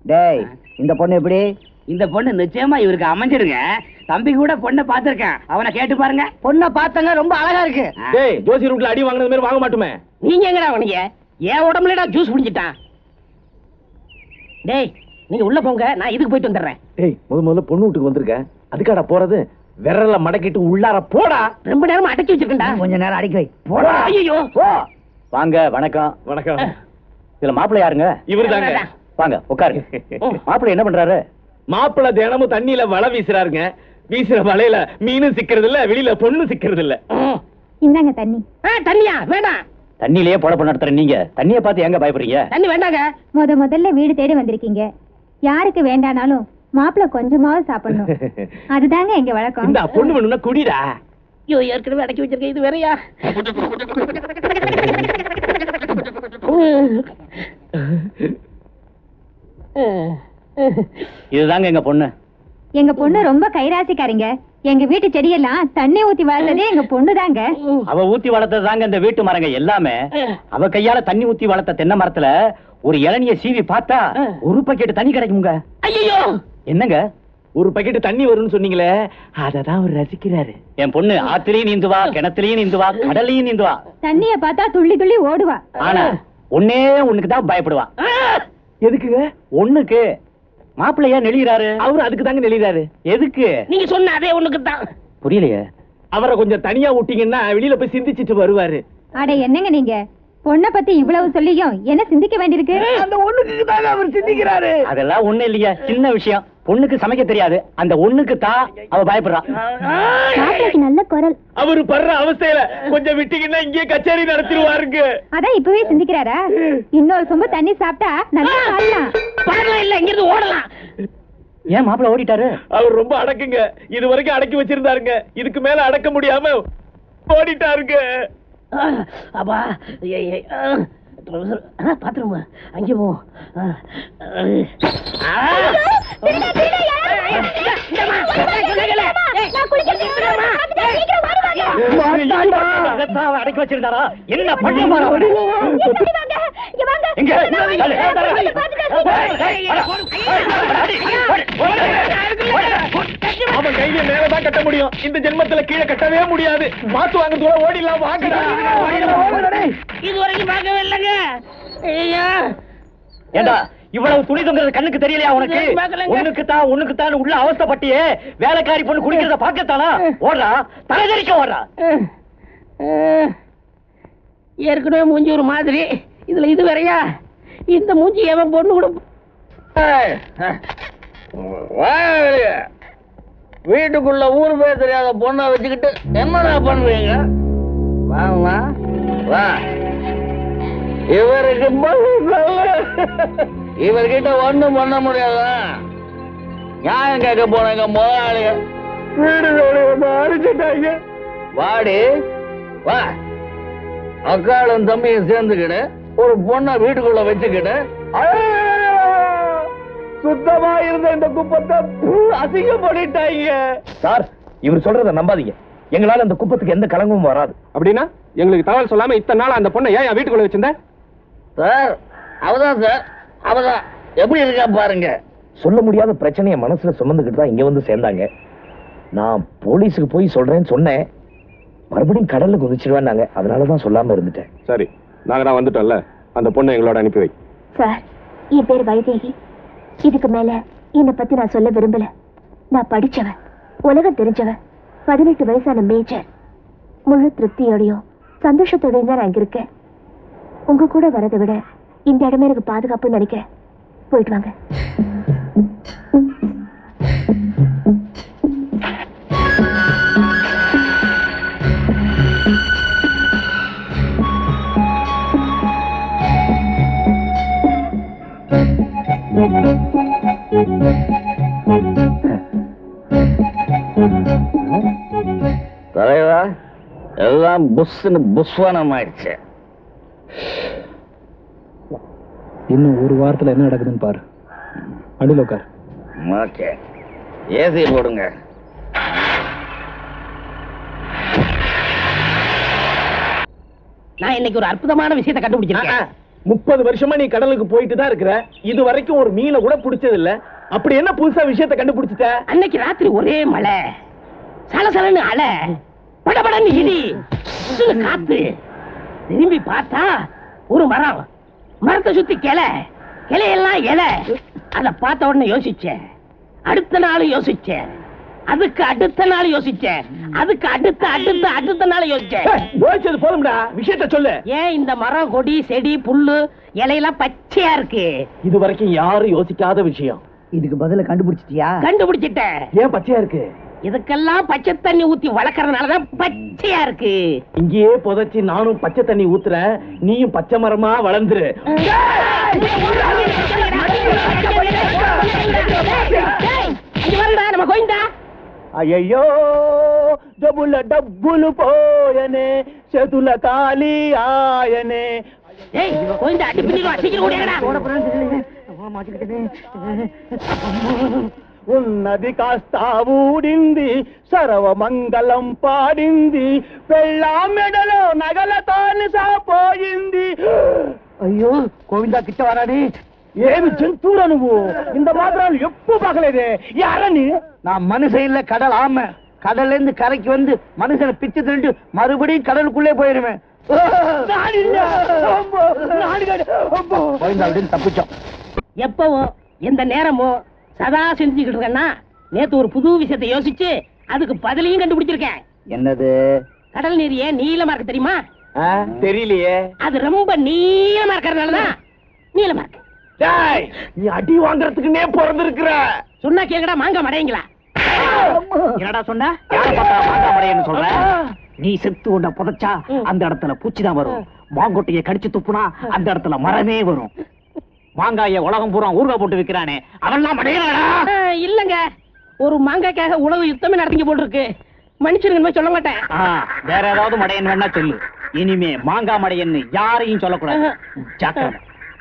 டேய் இந்த பொண்ணு எப்படி? இந்த பொண்ணு நிச்சயமா இவருக்கு அமைஞ்சிருங்க. தம்பி கூட பொண்ணை பாத்திருக்கேன், அவனை கேட்டு பாருங்க. பொண்ணை பார்த்தங்க, ரொம்ப அழகா இருக்கு. டேய் ஜோசி ரூட்ல அடி வாங்குனது மாதிரி வாங்க மாட்டோமே. நீங்க எங்கடா அவனுங்க? என் உடம்புலடா ஜூஸ் குடிச்சிட்டான். டேய் நீங்க உள்ள போங்க, நான் இதுக்கு போயிட்டு வந்துடுறேன். டேய் முதல்ல பொண்ணு வீட்டுக்கு வந்திருக்கேன், அதுக்காடா போறது? விரல மடக்கிட்டு உள்ளார போடா. ரொம்ப நேரமா அடக்கி வச்சிருக்கேன்டா. கொஞ்ச நேரம் அடக்கி வை. போடா. ஐயோ வாங்க. வணக்கம். வணக்கம். இதுல மாப்பிள்ளை யாருங்க? இவருதாங்க. வாங்க உட்காருங்க. மாப்பிள்ளை என்ன பண்றாரு? மாப்பிள்ளை தினமும் தண்ணியில வலை வீசுறாருங்க. வீசுற வலையில மீனும் சிக்கிறது இல்ல, வெளியில பொண்ணு சிக்கிறது இல்ல. இந்தாங்க தண்ணி. தண்ணியா வேண்டாம். தண்ணியிலேயே பொழப்பு நடத்துற நீங்க தண்ணியை பார்த்து எங்க பயப்படுறீங்க? தண்ணி வேண்டாங்க. முதல்ல வீடு தேடி வந்திருக்கீங்க. யாருக்கு வேண்டானாலும் மாப்பிள்ள கொஞ்சமாவது சாப்பிடணும். அதுதாங்க எங்க வழக்கம். இந்த பொண்ணு வேணும்னா குடிடா. ஐயோ ஏற்கனவே அடக்கி வச்சிருக்கேன், இது வேறயா? இதுதாங்க எங்க பொண்ணு. எங்க பொண்ணு ரொம்ப கைராசிக்காரிங்க. எங்க வீட்டு செடியெல்லாம் தண்ணி ஊத்தி வளர்த்ததே எங்க பொண்ணுதாங்க. அவ ஊத்தி வளர்த்தது தாங்க இந்த வீட்டு மரங்க எல்லாமே. அவ கையால தண்ணி ஊத்தி வளர்த்த தென்னை மரத்துல ஒரு இளநிய சீவி பார்த்தா ஒரு பக்கெட் தண்ணி கிடைக்குங்க. ஐயோ என்னங்க? ஒரு பக்கெட் தண்ணி வரும்னு சொன்னீங்களே, அததான் அவர் ரசிக்கிறாரு. என் பொண்ணு ஆத்திலையும் நீந்துவா, கிணத்துலயும் நீந்துவா, கடலையும் நீந்துவா. தண்ணிய பார்த்தா துள்ளி துள்ளி ஓடுவா. ஆனா ஒன்னே ஒண்ணுக்கு தான் பயப்படுவா. எதுக்குங்க? ஒண்ணுக்கு. மாப்பிள்ளையா நெளிகிறாரு. அவரு அதுக்கு தாங்க நெளிறாரு. எதுக்கு? நீங்க சொன்ன அதே ஒண்ணுக்கு தான். புரியலையே. அவரை கொஞ்சம் தனியா விட்டீங்கன்னா வெளியில போய் சிந்திச்சிட்டு வருவாரு. அட என்னங்க நீங்க? பொண்ணை பத்தி இவ்வளவு சொல்லியும் என்ன சிந்திக்க வேண்டியிருக்கு? அந்த ஒண்ணுக்கு தாங்க அவர் சிந்திக்கிறாரு. அதெல்லாம் ஒண்ணு இல்லையா, சின்ன விஷயம். பொண்ணுக்கு சமைக்க தெரியாது, அந்த ஒண்ணுக்கு தான் அவ பயப்படுறா. நல்ல குரல். அவரு படுற அவஸ்தையில கொஞ்சம் விட்டீங்கன்னா இங்கே கச்சேரி நடத்திடுவாருங்க. அதான் இப்பவே சிந்திக்கிறாரா? இன்னொரு சொம்பு தண்ணி சாப்பிட்டா நல்லா ஆடலாம். பரவாயில்ல, இல்ல இங்க இருந்து ஓடலாம். ஏன் மாப்பிள்ள ஓடிட்டாரு? அவர் ரொம்ப அடக்குங்க. இது வரைக்கும் அடக்கி வச்சிருந்தாருங்க, இதுக்கு மேல அடக்க முடியாம ஓடிட்டாருங்க. அப்பா பாத்ரூம் அங்கே போ. அடக்கி வச்சிருந்தாரா? என்ன பண்ண? அவன் கையில மேலதான் கட்ட முடியும், இந்த ஜென்மத்துல கீழே கட்டவே முடியாது. மாத்து வாங்க தூரம் ஓடிடலாம். வாங்கடா. இதுவரைக்கும் பார்க்கவே இல்லைங்க. ஏண்டா இவ்வளவு துணி தொங்குறது கண்ணுக்கு தெரியலையா உனக்கு? உனக்கு தான் உள்ள அவஸ்தைப்பட்டியே. வேலைக்காரி பொண்ணு குடிக்கிறத பாக்கத்தானா ஓடுறா? தலைதறிக்க ஓடுறா. ஏற்கனவே மூஞ்சி ஒரு மாதிரி, இதுல இது வேறையா? இந்த மூஞ்சி எவன் பொண்ணு கூட வீட்டுக்குள்ள ஊர் பேர் தெரியாத பொண்ணை வச்சுக்கிட்டு என்னடா பண்ணுவீங்க? வாங்கம்மா வா. இவருக்கு இவர்கிட்ட ஒண்ணும் பண்ண முடியாதா? நியாயம் கேட்க போனாங்க முதலாளிங்க. வீடு வேலையை அடிச்சுட்டாங்க. வாடி வா. அக்காளும் தம்பியும் சேர்ந்துக்கிட்டு ஒரு பொண்ணை வீட்டுக்குள்ள வச்சுக்கிட்டு சுத்தமா இருந்த இந்த குப்பத்தை அசிங்கப்படிட்டாங்க. சார், இவர் சொல்றத நம்பாதீங்க. எங்களால அந்த குப்பத்துக்கு எந்த கலங்கமும் வராது. அப்படின்னா எங்களுக்கு தகவல் சொல்லாம இத்தனை நாள் அந்த பொண்ணை ஏன் வீட்டுக்குள்ள வச்சிருந்த? சார் அவதான் சார், அவதான். எப்படி இருக்கா பாருங்க. சொல்ல முடியாத பிரச்சனையை மனசுல சுமந்துக்கிட்டு தான் இங்க வந்து சேர்ந்தாங்க. நான் போலீஸுக்கு போய் சொல்றேன்னு சொன்னேன், மறுபடியும் கடல்ல குதிச்சிருவேன்னாங்க. அதனாலதான் சொல்லாம இருந்துட்டேன். சரி, நாங்க தான் வந்துட்டோம்ல, அந்த பொண்ணை எங்களோட அனுப்பி வை. சார், என் பேர் வைதேகி. இதுக்கு மேல என்னை பத்தி நான் சொல்ல விரும்பல. நான் படிச்சவன், உலகம் தெரிஞ்சவன், 18 வயசான மேஜர். முழு திருப்தியோடையும் சந்தோஷத்தோடையும் தான் நான் இங்க இருக்கேன். உங்க கூட வரதை விட இந்த இடமே எனக்கு பாதுகாப்புன்னு நினைக்கிறேன். போயிட்டு வாங்க. தலைவா, எல்லாம் புஷ்னு புஷ்வானம் ஆயிடுச்சு. இன்னும் ஒரு வாரத்துல என்ன நடக்குதுன்னு பாரு. அடியில் உட்கார். ஓகே, ஏசி போடுங்க. நான் இன்னைக்கு ஒரு அற்புதமான விஷயத்தை கண்டுபிடிச்சிருக்கேன். 30 வருஷமா நீ கடலுக்கு போயிட்டு தான் இருக்கிற, இது வரைக்கும் ஒரு மீனை கூட பிடிச்சது இல்ல. அப்படி என்ன புதுசா விஷயத்தை கண்டுபிடிச்சிட்ட? அன்னைக்கு ராத்திரி ஒரே மழை, சலசலன்னு அலை, படபடன்னு இடி, சுசுன்னு காத்து. திரும்பி பார்த்தா ஒரு மரம், மரத்தை சுத்தி கிளையெல்லாம் இலை. அத பார்த்த உடனே யோசிச்சேன், அடுத்த நாள் யோசிச்சேன், அதுக்கு அடுத்த நாள் யோசிச்சேன், அதுக்கு அடுத்த நாள் யோசிச்சேன். யோசிச்சது போதும்டா, விஷயத்தை சொல்லு. ஏன் இந்த மரம், கொடி, செடி, புல்லு, இலையெல்லாம் பச்சையா இருக்கு? இது வரைக்கும் யாரும் யோசிக்காத விஷயம். இதுக்கு பதில கண்டுபிடிச்சிட்டியா? கண்டுபிடிச்சிட்டேன். ஏன் பச்சையா இருக்கு? இதுக்கெல்லாம் பச்சை தண்ணி ஊத்தி வளர்க்கறதுனாலதான் பச்சையா இருக்கு. இங்கேயே புதைச்சி நானும் பச்சை தண்ணி ஊத்துறேன், நீயும் பச்சை மரமா வளர்ந்துரு. நம்ம கோயிந்தா. అయ్యో డబ్బుల డబ్బులు పోయనే చేతుల ఖాళీ ఆయనే. ஏய் கோயிந்தா, அடி பின்னி அடிக்கிற ஓடியாடா. ఉన్నది కాస్త ఊడింది, సర్వమంగళం పాడింది, పెళ్ళా మెడలో నగలతోని సాపోయింది. ஐயோ கோவிந்தா கிட்ட வரானே. ఏమి జంతువురా నువ్వు? ఇంత మాత్రాలు ఎప్పుడు పగలేదే. యారా నీ? நான் மனுஷன் இல்ல, கடல் ஆமை. கடல்ல இருந்து கரைக்கு வந்து மனுஷனை பிச்சு திண்டு மறுபடியும் கடலுக்குள்ளே போயிருவேன். தப்பிச்சோம். எப்பவும் எந்த நேரமும் சதா செஞ்சுக்கிட்டு இருக்கேன்னா, நேத்து ஒரு புது விஷயத்தை யோசிச்சு அதுக்கு பதிலையும் கண்டுபிடிச்சிருக்கேன். என்னது? கடல் நீர் ஏன் நீளமா இருக்கு தெரியுமா? தெரியலையே. அது ரொம்ப நீளமா இருக்கிறதுனாலதான் நீளமா இருக்கு. நீ அடி வாங்கறதுக்குன்னே பிறந்திருக்கிற. சொன்னா கேங்கடா, மாங்க மடையங்களா? என்னடா சொன்ன? யார பார்த்தா மாங்கா மடையன்னு சொல்ற? நீ செத்து உன்னை புதைச்சா அந்த இடத்துல பூச்சிதான் வரும். மாங்கொட்டைய கடிச்சு துப்புனா அந்த இடத்துல மரமே வரும். மாங்காய உலகம் பூரா ஊர்கா போட்டு விக்கிறானே, அவன்லாம் மடையனாடா? இல்லங்க, ஒரு மாங்காய்க்காக உலக யுத்தமே நடத்திங்க போல் இருக்கு. மனுஷனுக்கு சொல்ல மாட்டேன். வேற ஏதாவது மடையன் வேணா சொல்லு. இனிமே மாங்கா மடையன்னு யாரையும் சொல்லக்கூடாது. ஜாக்கிரதை.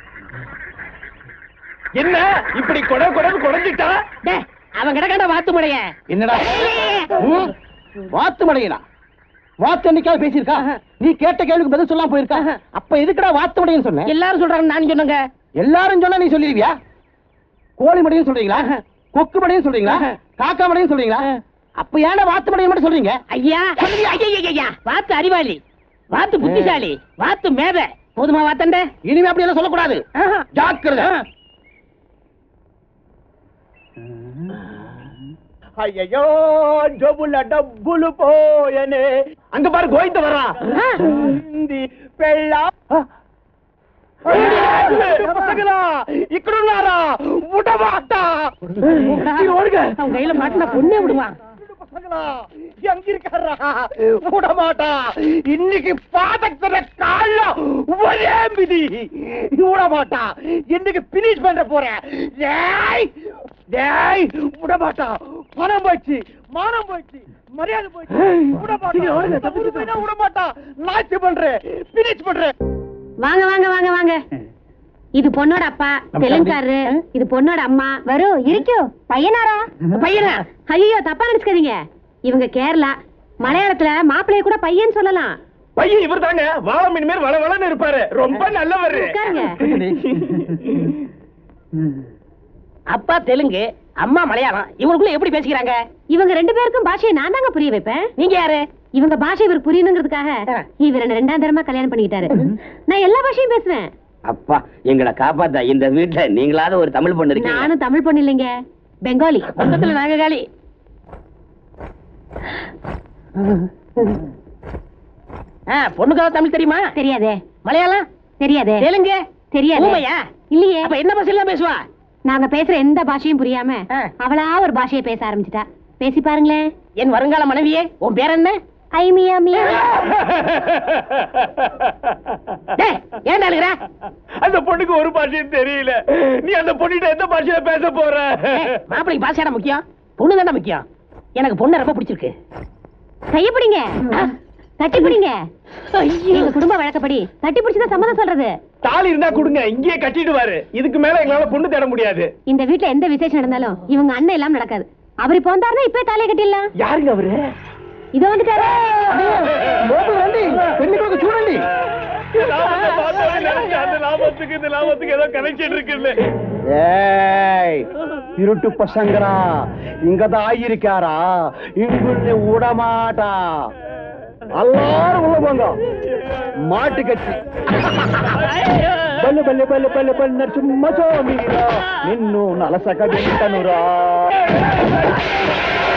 என்ன இப்படி குறைஞ்சிட்டா? அவன் கிடக்காண்ட வாத்து மடைய. என்னடா வாத்து மடையனா? வாத்து என்னைக்காவது பேசியிருக்கா? நீ கேட்ட கேள்விக்கு பதில் சொல்லாம போயிருக்கா? அப்ப எதுக்குடா வாத்து மடையன்னு சொன்ன? எல்லாரும் சொல்றாங்க, நான் சொன்னங்க. எல்லாரும் சொன்னா நீ சொல்லிடுவியா? கோழி மடையும் சொல்றீங்களா? கொக்கு மடையும் சொல்றீங்களா? காக்கா மடையும் சொல்றீங்களா? அப்ப ஏன்டா வாத்து மடையும் மட்டும் சொல்றீங்க? ஐயா ஐயா, வாத்து அறிவாளி, வாத்து புத்திசாலி, வாத்து மேத. போதுமா வாத்தண்ட? இனிமே அப்படி எல்லாம் சொல்லக்கூடாது. ஜாக்கிரதை. ஐயோ ஜோபுல டப்புలు போயனே. அங்க பாரு கோயிந்த வர்றான். பெள்ளா பசங்களா இக்கடுனாரா விடமாட்டா. அவன் கையில மாட்டினா பொண்ணே விடுவான். பசங்களா எங்க இருக்காரா? விடமாட்டா. இன்னைக்கு பாதத்துல கால ஒரே மிதி. விடமாட்டா. இன்னைக்கு பினிஷ் பண்ற போறேன். டேய் விடமாட்டா. பணம் போச்சு, மானம் போச்சு, மரியாதை போச்சு. விடமாட்டா. விடமாட்டா. நாச்சு பண்றேன், பினிஷ் பண்றேன். வாங்க வாங்க வாங்க வாங்க. இது பொண்ணோட அப்பா தெலுங்காரு, இது பொண்ணோட அம்மா. வரும் இருக்கோ பையனாரா? பையனா? ஐயோ தப்பா நினைச்சுக்காதீங்க. இவங்க கேரளா. மலையாளத்துல மாப்பிள்ளைய கூட பையன் சொல்லலாம். பையன் இவர் தாங்க. வாழ மீன் மேல் வளவளன்னு இருப்பாரு. ரொம்ப நல்லவர். உட்காருங்க. அப்பா தெலுங்கு, அம்மா மலையாளம். இவங்களுக்குள்ள எப்படி பேசிக்கிறாங்க? இவங்க ரெண்டு பேருக்கும் பாஷையை நான் தாங்க புரிய வைப்பேன். நீங்க யாரு? இவங்க பாஷை இவர் புரியணுங்கிறதுக்காக இவர் ரெண்டாம் தரமா கல்யாணம் பண்ணிக்கிட்டாரு. நான் எல்லா பாஷையும் பேசுவேன். அப்பா எங்களை காப்பாத்தா. இந்த வீட்டுல நீங்களாவது ஒரு தமிழ் பொண்ணு இருக்கீங்க. நானும் தமிழ் பொண்ணு இல்லைங்க, பெங்காலி. மொத்தத்துல நாங்க காலி. பொண்ணுக்காக தமிழ் தெரியுமா? தெரியாதே. மலையாளம் தெரியாதே. தெலுங்கு தெரியாது. ஊமையா? இல்லையே. அப்ப என்ன பாஷையெல்லாம் பேசுவா? நாங்க பேசுற எந்த பாஷையும் புரியாம அவளா ஒரு பாஷையை பேச ஆரம்பிச்சிட்டா. பேசி பாருங்களேன். என் வருங்கால மனைவியே, உன் பேர் என்ன? ஐ மியா மியா. ஏன் அழுகிற? அந்த பொண்ணுக்கு ஒரு பாஷையும் தெரியல. நீ அந்த பொண்ணுகிட்ட எந்த பாஷையில பேச போற? மாப்பிளைக்கு பாஷையாட முக்கியம், பொண்ணு தானே முக்கியம். எனக்கு பொண்ணு ரொம்ப பிடிச்சிருக்கு. கைய பிடிங்க, தட்டி பிடிங்க. எங்க குடும்ப வழக்கப்படி தட்டி பிடிச்சுதான் சம்மதம் சொல்றது. தாலி இருந்தா கொடுங்க, இங்கேயே கட்டிடுவாரு. இதுக்கு மேல எங்களால பொண்ணு தேட முடியாது. இந்த வீட்டுல எந்த விசேஷம் நடந்தாலும் இவங்க அண்ணன் எல்லாம் நடக்காது. அவர் இப்ப வந்தாருன்னா இப்ப தாலியை கட்டிடலாம். யாருங்க அவரு? இதோ வந்துட்டாரு. பெண்ணுக்கு சூழண்டி. அந்த லாபத்துக்கு இந்த லாபத்துக்கு ஏதோ கனெக்ஷன் இருக்குல்ல. ஏய் திருட்டு பசங்கரா இங்கதான் ஆயிருக்காரா இங்குள்ள விடமாட்டா எல்லாரும் உள்ள போங்க மாட்டு கட்சி பல்லு பல்லு பல்லு பல்லு பல்லு நரசிம்ம சோமீரா நின்னு நலசக வெಂಟನುರಾ